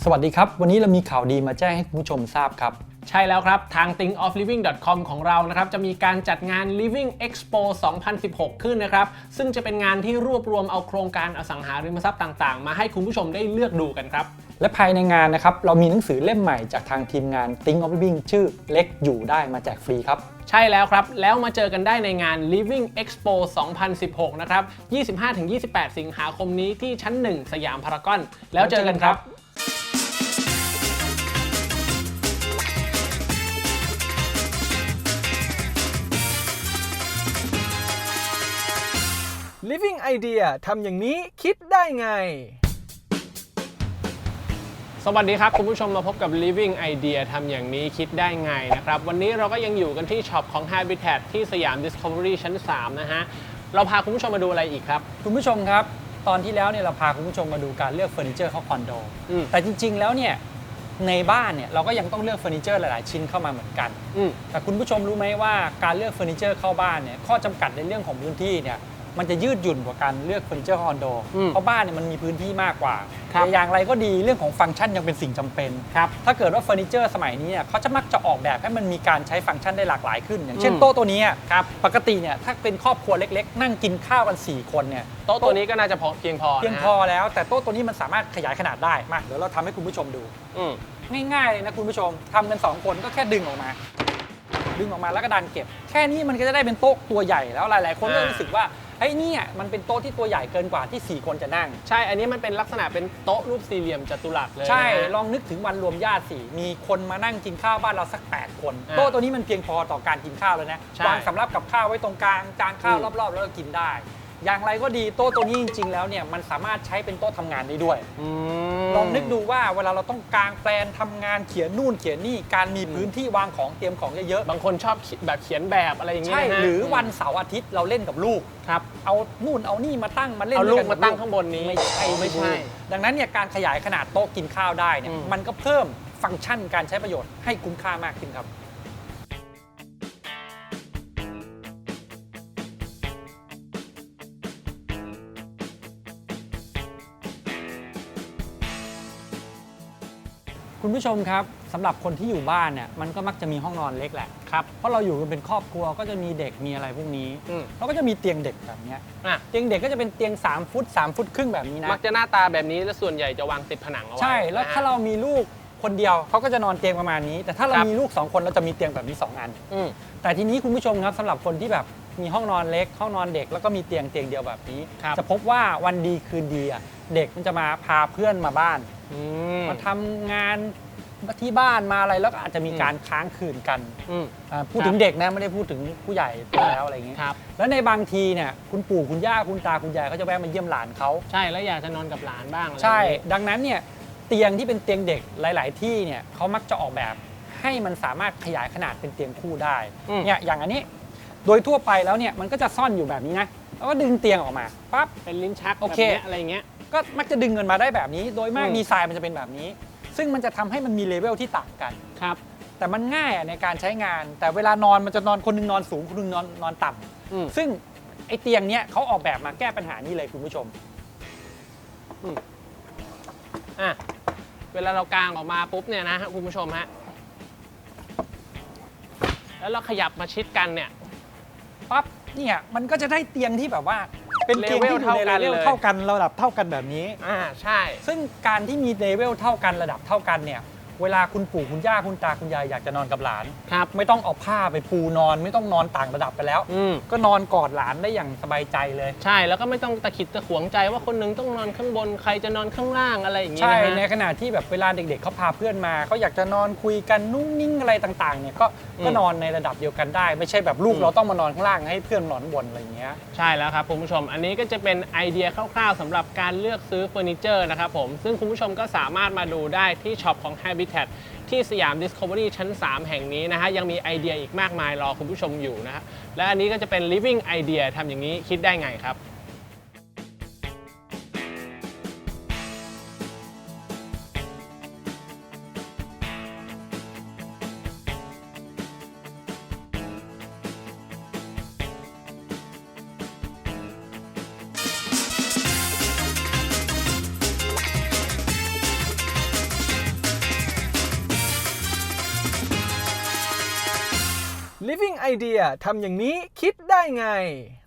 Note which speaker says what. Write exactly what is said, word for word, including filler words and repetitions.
Speaker 1: สวัสดีครับวันนี้เรามีข่าวดีมาแจ้งให้คุณผู้ชมทราบครับ
Speaker 2: ใช่แล้วครับทาง think of living dot com ของเรานะครับจะมีการจัดงาน Living Expo สองพันสิบหก ขึ้นนะครับซึ่งจะเป็นงานที่รวบรวมเอาโครงการอสังหาริมทรัพย์ต่างๆมาให้คุณผู้ชมได้เลือกดูกันครับ
Speaker 1: และภายในงานนะครับเรามีหนังสือเล่มใหม่จากทางทีมงาน think of living ชื่อเล็กอยู่ได้มาแจกฟรีครับ
Speaker 2: ใช่แล้วครับแล้วมาเจอกันได้ในงาน Living Expo สองพันสิบหก นะครับ ยี่สิบห้าถึงยี่สิบแปด สิงหาคมนี้ที่ชั้นหนึ่งสยามพารากอนแล้วเจอกันครับ
Speaker 3: Living Idea ทำอย่างนี้คิดได้ไง
Speaker 2: สวัสดีครับคุณผู้ชมมาพบกับ Living Idea ทำอย่างนี้คิดได้ไงนะครับวันนี้เราก็ยังอยู่กันที่ช็อปของ Habitat ที่สยาม Discovery ชั้นสามนะฮะเราพาคุณผู้ชมมาดูอะไรอีกครับ
Speaker 1: คุณผู้ชมครับตอนที่แล้วเนี่ยเราพาคุณผู้ชมมาดูการเลือกเฟอร์นิเจอร์เข้าคอนโดแต่จริงๆแล้วเนี่ยในบ้านเนี่ยเราก็ยังต้องเลือกเฟอร์นิเจอร์หลายๆชิ้นเข้ามาเหมือนกันแต่คุณผู้ชมรู้ไหมว่าการเลือกเฟอร์นิเจอร์เข้าบ้านเนี่ยข้อจำกัดในเรื่องของพื้นที่เนี่ยมันจะยืดหยุ่นกว่าการเลือกเฟอร์นิเจอร์คอนโดเพราะบ้านเนี่ยมันมีพื้นที่มากกว่าแต่อย่างไรก็ดีเรื่องของฟังก์ชันยังเป็นสิ่งจำเป็นครับถ้าเกิดว่าเฟอร์นิเจอร์สมัยนี้เนี่ยเขาจะมักจะออกแบบให้มันมีการใช้ฟังก์ชันได้หลากหลายขึ้นอย่างเช่นโต๊ะตัวนี้ครับปกติเนี่ยถ้าเป็นครอบครัวเล็กๆนั่งกินข้าวกันสี่คนเนี่ย
Speaker 2: โต๊ะตัวนี้ก็น่าจะพอเพียงพอ
Speaker 1: เพียงพอแล้วแต่โต๊ะตัวนี้มันสามารถขยายขนาดได้มาเดี๋ยวเราทำให้คุณผู้ชมดูง่ายๆเลยนะคุณผู้ชมทำกันสองคนก็แค่ดึงออกมาดึงออกมาแล้วก็ดันเก็บแค่นี้มันก็จะได้เป็นโต๊ะตัวใหญ่แล้วหลายๆคนก็รู้สึกว่าไอ้นี่มันเป็นโต๊ะที่ตัวใหญ่เกินกว่าที่สี่คนจะนั่ง
Speaker 2: ใช่อันนี้มันเป็นลักษณะเป็นโต๊ะรูปสี่เหลี่ยมจัตุรัสเลย
Speaker 1: ใช่ลองนึกถึงวันรวมญาติสิมีคนมานั่งกินข้าวบ้านเราสักแปดคนโต๊ะตัวนี้มันเพียงพอต่อการกินข้าวแล้วนะวางสำรับกับข้าวไว้ตรงกลางจานข้าวรอบๆแล้วก็กินได้อย่างไรก็ดีโต๊ะตัวนี้จริงๆแล้วเนี่ยมันสามารถใช้เป็นโต๊ะทำงานได้ด้วยลองนึกดูว่าเวลาเราต้องกางแปลนทำงานเขียนนู่นเขียนนี่การมีพื้นที่วางของเตรียมของเยอะ
Speaker 2: ๆบางคนชอบแบบเขียนแบบอะไรอย่างเงี้ย
Speaker 1: ใช่หรือวันเสาร์อาทิตย์เราเล่นกับลูกครับเอานู่นเอานี่มาตั้งมาเล่น
Speaker 2: เอาลูกมาตั้งข้างบนนี้
Speaker 1: ไม่ใช่ไม่ใช่ดังนั้นเนี่ยการขยายขนาดโต๊ะกินข้าวได้เนี่ยมันก็เพิ่มฟังก์ชันการใช้ประโยชน์ให้คุ้มค่ามากขึ้นครับคุณผู้ชมครับสำหรับคนที่อยู่บ้านเนี่ยมันก็มักจะมีห้องนอนเล็กแหละครับเพราะเราอยู่กันเป็นครอบครัวก็จะมีเด็กมีอะไรพวกนี้เราก็จะมีเตียงเด็กแบบนี้เตียงเด็กก็จะเป็นเตียงสามฟุตสามฟุตครึ่งแบบนี้นะ
Speaker 2: มักจะหน้าตาแบบนี้และส่วนใหญ่จะวางติดผนังเอาไว้
Speaker 1: ใช่แล้วถ้าเรามีลูกคนเดียวเขาก็จะนอนเตียงประมาณนี้แต่ถ้าเรามีลูกสองคนเราจะมีเตียงแบบนี้สองอันแต่ทีนี้คุณผู้ชมครับสำหรับคนที่แบบมีห้องนอนเล็กห้องนอนเด็กแล้วก็มีเตียงเตียงเดียวแบบนี้จะพบว่าวันดีคืนดีอ่ะเด็กมันจะมาพาเพื่อนมาบ้านมาทำงานที่บ้านมาอะไรแล้วก็อาจจะมีการค้างคืนกันพูดถึงเด็กนะไม่ได้พูดถึงผู้ใหญ่แล้วอะไรอย่างนี้แล้วในบางทีเนี่ยคุณปู่คุณย่าคุณตาคุณยายเขาจะแวะมาเยี่ยมหลานเขา
Speaker 2: ใช่แล้วอยากจะนอนกับหลานบ้าง
Speaker 1: ใช่ดังนั้นเนี่ยเตียงที่เป็นเตียงเด็กหลายๆที่เนี่ยเขามักจะออกแบบให้มันสามารถขยายขนาดเป็นเตียงคู่ได้เนี่ยอย่างอันนี้โดยทั่วไปแล้วเนี่ยมันก็จะซ่อนอยู่แบบนี้นะแล้วก็ดึงเตียงออกมาปั๊บ
Speaker 2: เป็นลิ้นชักโอเคอะไรเงี้ย
Speaker 1: ก็มักจะดึงเงินมาได้แบบนี้โดยมากดีไซน์มันจะเป็นแบบนี้ซึ่งมันจะทำให้มันมีเลเวลที่ต่างกันครับแต่มันง่ายในการใช้งานแต่เวลานอนมันจะนอนคนนึงนอนสูงคนนึงนอนนอนต่ำซึ่งไอ้เตียงเนี้ยเขาออกแบบมาแก้ปัญหานี้เลยคุณผู้ชม
Speaker 2: อ่ะเวลาเรากางออกมาปุ๊บเนี่ยนะฮะคุณผู้ชมฮะแล้วเราขยับมาชิดกันเนี่ย
Speaker 1: ปั๊บเนี่ยมันก็จะได้เตียงที่แบบว่าเป็นเตียงที่อยู่ในเลเวลเท่ากันระดับเท่ากันแบบนี้
Speaker 2: อ่าใช่
Speaker 1: ซึ่งการที่มีเลเวลเท่ากันระดับเท่ากันเนี่ยเวลาคุณปู่คุณย่าคุณตาคุณยายอยากจะนอนกับหลานครับไม่ต้องเอาผ้าไปปูนอนไม่ต้องนอนต่างระดับกันแล้วก็นอนกอดหลานได้อย่างสบายใจเลย
Speaker 2: ใช่แล้วก็ไม่ต้องตะขิดตะขวงใจว่าคนนึงต้องนอนข้างบนใครจะนอนข้างล่างอะไรอย่างเงี้ย
Speaker 1: ใช่ในขณะที่แบบเวลาเด็กๆเขาพาเพื่อนมาเขาอยากจะนอนคุยกันนุ่งนิ่งอะไรต่างๆเนี่ยก็ก็นอนในระดับเดียวกันได้ไม่ใช่แบบลูกเราต้องมานอนข้างล่างให้เพื่อนนอนบนอะไรอย่างเงี้ย
Speaker 2: ใช่แล้วครับคุณผู้ชมอันนี้ก็จะเป็นไอเดียคร่าวๆสำหรับการเลือกซื้อเฟอร์นิเจอร์นะครับผมซึ่งคุณผู้ชมก็สามารถมาดูได้ที่ช็อปของ Habitatที่สยาม Discovery ชั้นสามแห่งนี้นะฮะยังมีไอเดียอีกมากมายรอคุณผู้ชมอยู่นะฮะและอันนี้ก็จะเป็น Living Idea ทำอย่างนี้คิดได้ไงครับ
Speaker 3: Living Living Idea ทำอย่างนี้คิดได้ไง